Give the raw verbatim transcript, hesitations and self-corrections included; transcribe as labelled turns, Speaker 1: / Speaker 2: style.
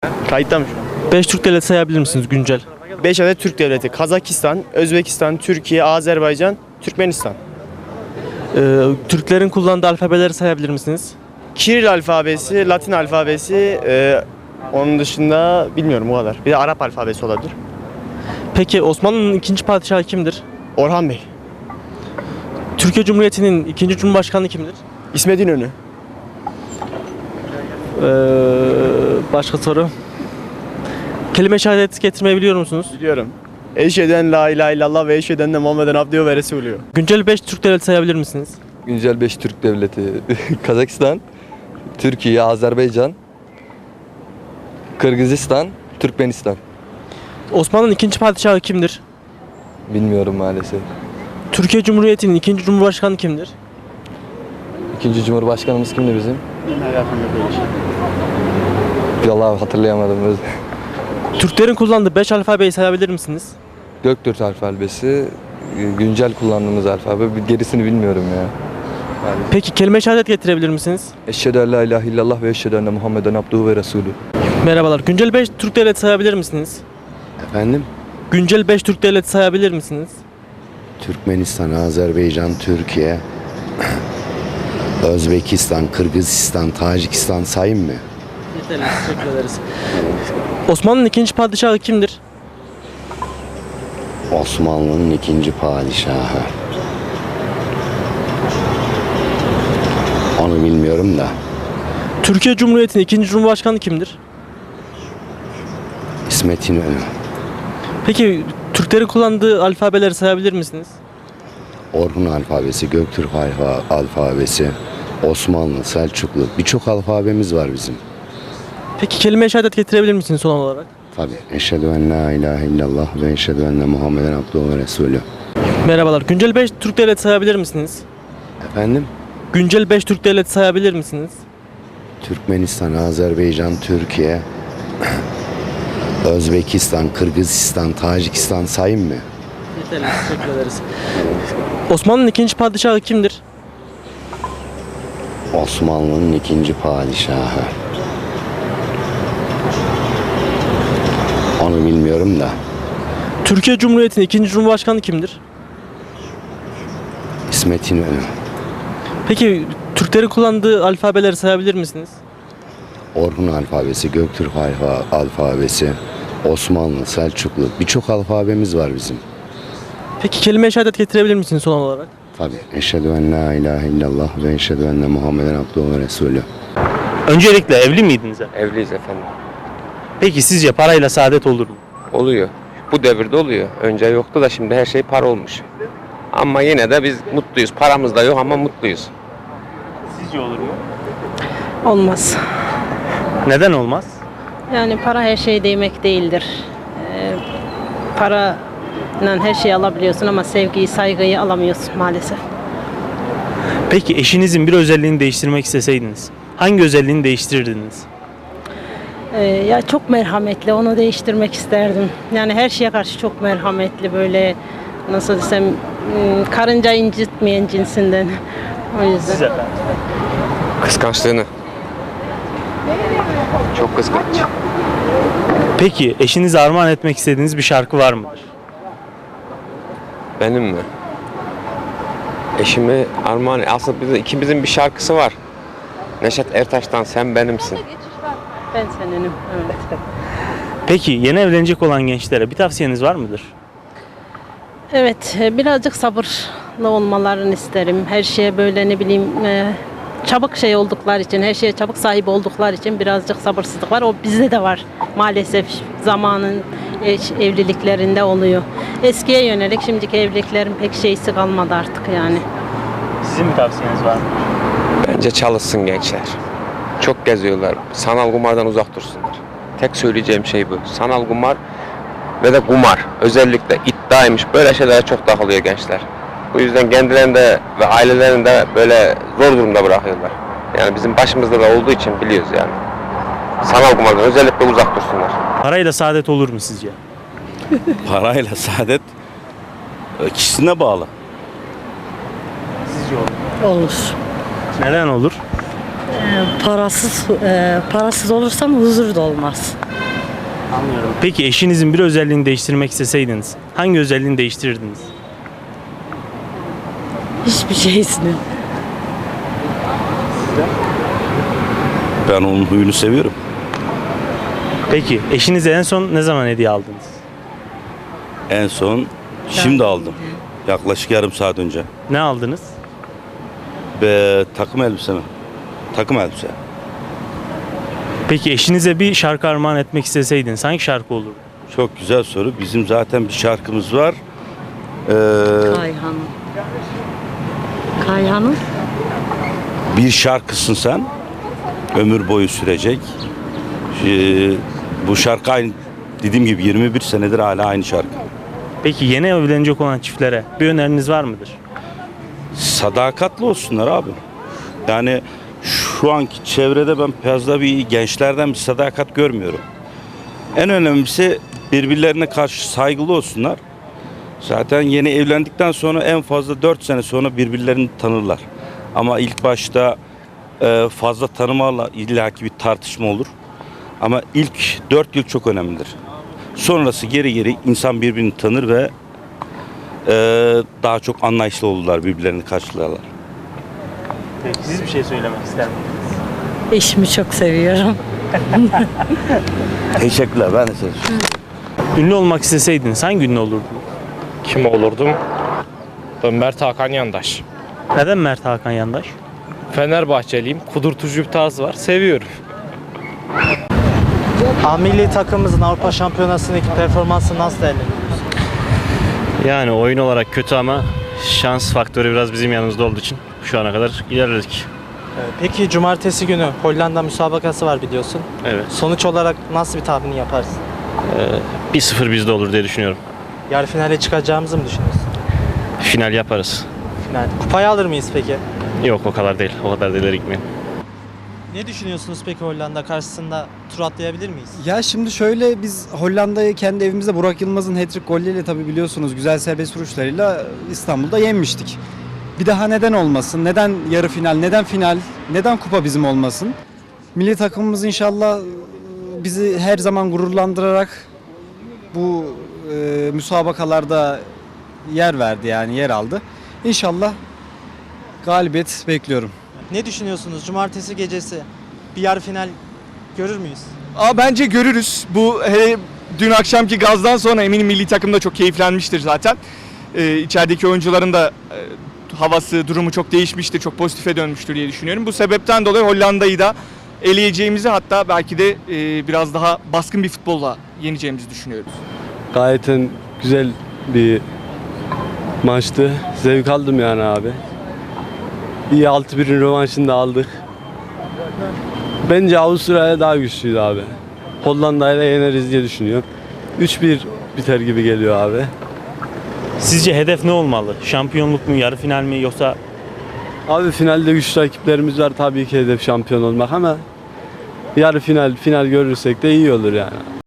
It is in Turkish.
Speaker 1: Kayıtta mı şu an?
Speaker 2: beş Türk devleti sayabilir misiniz güncel?
Speaker 1: beş adet Türk devleti. Kazakistan, Özbekistan, Türkiye, Azerbaycan, Türkmenistan.
Speaker 2: Ee, Türklerin kullandığı alfabeleri sayabilir misiniz?
Speaker 1: Kiril alfabesi, Latin alfabesi, e, onun dışında bilmiyorum o kadar. Bir de Arap alfabesi olabilir.
Speaker 2: Peki Osmanlı'nın ikinci padişahı kimdir?
Speaker 1: Orhan Bey,
Speaker 2: Türkiye Cumhuriyeti'nin ikinci cumhurbaşkanı kimdir?
Speaker 1: İsmet İnönü,
Speaker 2: Ee, başka soru. Kelime-i şehadet getirmeyi biliyor musunuz?
Speaker 1: biliyorum. Eşheden la ilahe illallah ve eşheden de Muhammeden abdühü ve resulühü.
Speaker 2: Güncel beş Türk devleti sayabilir misiniz?
Speaker 3: Güncel beş Türk devleti. Kazakistan, Türkiye, Azerbaycan, Kırgızistan, Türkmenistan.
Speaker 2: Osmanlı'nın ikinci padişahı kimdir?
Speaker 3: Bilmiyorum maalesef.
Speaker 2: Türkiye Cumhuriyeti'nin ikinci cumhurbaşkanı kimdir?
Speaker 3: İkinci Cumhurbaşkanımız kimdi bizim? Vallahi hatırlayamadım.
Speaker 2: Türklerin kullandığı beş alfabeyi sayabilir misiniz?
Speaker 3: Göktürk alfabesi, güncel kullandığımız alfabe. Gerisini bilmiyorum ya.
Speaker 2: Peki kelime-i şehadet getirebilir misiniz?
Speaker 3: Eşhedü en la ilahe illallah ve eşhedü enne Muhammeden abduhu ve resulü.
Speaker 2: Merhabalar. Güncel beş Türk devleti sayabilir misiniz?
Speaker 4: Efendim?
Speaker 2: Güncel beş Türk devleti sayabilir misiniz?
Speaker 4: Türkmenistan, Azerbaycan, Türkiye, Özbekistan, Kırgızistan, Tacikistan sayayım mı?
Speaker 2: Yeterli. Teşekkür ederiz. Osmanlı'nın ikinci padişahı kimdir?
Speaker 4: Osmanlı'nın ikinci padişahı. Onu bilmiyorum da.
Speaker 2: Türkiye Cumhuriyeti'nin ikinci cumhurbaşkanı kimdir?
Speaker 4: İsmet İnönü.
Speaker 2: Peki Türklerin kullandığı alfabeleri sayabilir misiniz?
Speaker 4: Orhun alfabesi, Göktürk alfa, alfabesi, Osmanlı, Selçuklu. Birçok alfabemiz var bizim.
Speaker 2: Peki kelime-i şehadet getirebilir misiniz son olarak?
Speaker 4: Tabii. Eşhedü en la ilahe illallah ve eşhedü enne Muhammeden abduhu ve resulü.
Speaker 2: Merhabalar. Güncel beş Türk devleti sayabilir misiniz?
Speaker 4: Efendim?
Speaker 2: Güncel beş Türk devleti sayabilir misiniz?
Speaker 4: Türkmenistan, Azerbaycan, Türkiye, Özbekistan, Kırgızistan, Tacikistan sayayım mı?
Speaker 2: Yeterli. Teşekkür ederiz. Osmanlı'nın ikinci padişahı kimdir?
Speaker 4: Osmanlı'nın ikinci padişahı. Onu bilmiyorum da.
Speaker 2: Türkiye Cumhuriyeti'nin ikinci cumhurbaşkanı kimdir?
Speaker 4: İsmet İnönü.
Speaker 2: Peki Türklerin kullandığı alfabeleri sayabilir misiniz?
Speaker 4: Orhun alfabesi, Göktürk alfa, alfabesi, Osmanlı, Selçuklu. Birçok alfabemiz var bizim.
Speaker 2: Peki kelime-i şehadet getirebilir misiniz son olarak?
Speaker 4: Tabii. Eşhedü en la ilahe illallah ve eşhedü enne Muhammeden abduhu ve resulü.
Speaker 5: Öncelikle evli miydiniz?
Speaker 6: Evliyiz efendim.
Speaker 5: Peki sizce parayla saadet olur mu?
Speaker 6: Oluyor. Bu devirde oluyor. Önce yoktu da şimdi her şey para olmuş. Ama yine de biz mutluyuz. Paramız da yok ama mutluyuz.
Speaker 5: Sizce olur mu?
Speaker 7: Olmaz.
Speaker 5: Neden olmaz?
Speaker 7: Yani para her şey demek değildir. Ee, parayla her şeyi alabiliyorsun ama sevgiyi, saygıyı alamıyorsun maalesef.
Speaker 5: Peki eşinizin bir özelliğini değiştirmek isteseydiniz hangi özelliğini değiştirirdiniz?
Speaker 7: Ee, ya çok merhametli, onu değiştirmek isterdim. Yani her şeye karşı çok merhametli, böyle nasıl desem ım, karınca incitmeyen cinsinden. O yüzden.
Speaker 5: Siz efendim?
Speaker 6: Kıskançlığını. Çok kıskanç.
Speaker 5: Peki eşinize armağan etmek istediğiniz bir şarkı var mıdır?
Speaker 6: Benim mi? Eşimi armağan... Aslında bizim, ikimizin bir şarkısı var. Neşet Ertaş'tan Sen Benimsin.
Speaker 7: Ben senenim. Evet.
Speaker 5: Peki yeni evlenecek olan gençlere bir tavsiyeniz var mıdır?
Speaker 7: Evet, e, birazcık sabırlı olmalarını isterim. Her şeye böyle ne bileyim e, çabuk şey oldukları için, her şeye çabuk sahip oldukları için birazcık sabırsızlık var. O bizde de var maalesef, zamanın eş- evliliklerinde oluyor. Eskiye yönelik şimdiki evliliklerin pek şeysi kalmadı artık yani.
Speaker 5: Sizin bir tavsiyeniz var mı?
Speaker 6: Bence çalışsın gençler. Çok geziyorlar. Sanal kumardan uzak dursunlar. Tek söyleyeceğim şey bu. Sanal kumar ve de kumar. Özellikle iddiaymış. Böyle şeylere çok takılıyor gençler. Bu yüzden kendilerini de ve ailelerini de böyle zor durumda bırakıyorlar. Yani bizim başımızda da olduğu için biliyoruz yani. Sanal kumardan özellikle uzak dursunlar.
Speaker 5: Parayla saadet olur mu sizce?
Speaker 8: Parayla saadet e, kişisine bağlı.
Speaker 5: Sizce olur.
Speaker 7: Olur.
Speaker 5: Neden olur?
Speaker 9: Parasız e, parasız olursam huzur da olmaz.
Speaker 5: Anlıyorum. Peki eşinizin bir özelliğini değiştirmek isteseydiniz hangi özelliğini değiştirirdiniz?
Speaker 9: Hiçbir şeysini.
Speaker 8: Ben onun huyunu seviyorum.
Speaker 5: Peki eşinize en son ne zaman hediye aldınız?
Speaker 8: En son şimdi aldım. Yaklaşık yarım saat önce.
Speaker 5: Ne aldınız?
Speaker 8: Ve takım elbise mi? Takım elbise.
Speaker 5: Peki eşinize bir şarkı armağan etmek isteseydiniz hangi şarkı olurdu?
Speaker 8: Çok güzel soru. Bizim zaten bir şarkımız var. Ee,
Speaker 9: Kayhan'ın. Kayhan'ın.
Speaker 8: bir şarkısın sen. Ömür boyu sürecek. Ee, bu şarkı aynı, dediğim gibi yirmi bir senedir hala aynı şarkı.
Speaker 5: Peki yeni evlenecek olan çiftlere bir öneriniz var mıdır?
Speaker 8: Sadakatli olsunlar abi. Yani şu anki çevrede ben fazla bir gençlerden bir sadakat görmüyorum. En önemlisi birbirlerine karşı saygılı olsunlar. Zaten yeni evlendikten sonra en fazla dört sene sonra birbirlerini tanırlar. Ama ilk başta e, fazla tanımayla illaki bir tartışma olur. Ama ilk dört yıl çok önemlidir. Sonrası geri geri insan birbirini tanır ve e, daha çok anlayışlı olurlar, birbirlerini karşılarlar.
Speaker 5: Peki siz bir şey söylemek ister misiniz?
Speaker 9: Eşimi çok seviyorum.
Speaker 8: Teşekkürler, ben de size.
Speaker 5: Ünlü olmak isteseydiniz hangi ünlü olurdunuz?
Speaker 10: Kim olurdum? Ben Mert Hakan Yandaş.
Speaker 5: Neden Mert Hakan Yandaş?
Speaker 10: Fenerbahçeliyim. Kudurtucu bir tarz var. Seviyorum.
Speaker 2: A milli takımımızın Avrupa Şampiyonası'ndaki performansı nasıl değerlendiriyorsunuz?
Speaker 11: Yani oyun olarak kötü ama şans faktörü biraz bizim yanımızda olduğu için şu ana kadar ilerledik.
Speaker 2: Peki cumartesi günü Hollanda müsabakası var biliyorsun.
Speaker 11: Evet.
Speaker 2: Sonuç olarak nasıl bir tahmin yaparsın?
Speaker 11: bir sıfır bizde olur diye düşünüyorum.
Speaker 2: Yarı finale çıkacağımızı mı düşünüyorsun?
Speaker 11: Final yaparız.
Speaker 2: Final. Kupayı alır mıyız peki?
Speaker 11: Yok o kadar değil. O kadar da ileri gitmeyin.
Speaker 2: Ne düşünüyorsunuz peki Hollanda karşısında tur atlayabilir miyiz?
Speaker 12: Ya şimdi şöyle biz Hollanda'yı kendi evimizde Burak Yılmaz'ın hat-trick golleriyle tabii biliyorsunuz güzel serbest vuruşlarıyla İstanbul'da yenmiştik. Bir daha neden olmasın? Neden yarı final? Neden final? Neden kupa bizim olmasın? Milli takımımız inşallah bizi her zaman gururlandırarak bu e, müsabakalarda yer verdi yani yer aldı. İnşallah galibiyet bekliyorum.
Speaker 2: Ne düşünüyorsunuz? Cumartesi gecesi bir yarı final görür müyüz?
Speaker 1: Aa, bence görürüz. Bu hele dün akşamki gazdan sonra eminim milli takım da çok keyiflenmiştir zaten. Ee, içerideki oyuncuların da e, havası, durumu çok değişmiştir, çok pozitife dönmüştür diye düşünüyorum. Bu sebepten dolayı Hollanda'yı da eleyeceğimizi, hatta belki de e, biraz daha baskın bir futbolla yeneceğimizi düşünüyoruz.
Speaker 13: Gayet güzel bir maçtı. Zevk aldım yani abi. İyi altı birin rövanşını da aldık. Bence Avustralya daha güçlüydü abi. Hollanda'yla yeneriz diye düşünüyorum. üç bir biter gibi geliyor abi.
Speaker 5: Sizce hedef ne olmalı? Şampiyonluk mu, yarı final mi yoksa?
Speaker 13: Abi finalde güçlü rakiplerimiz var, tabii ki hedef şampiyon olmak ama yarı final, final görürsek de iyi olur yani.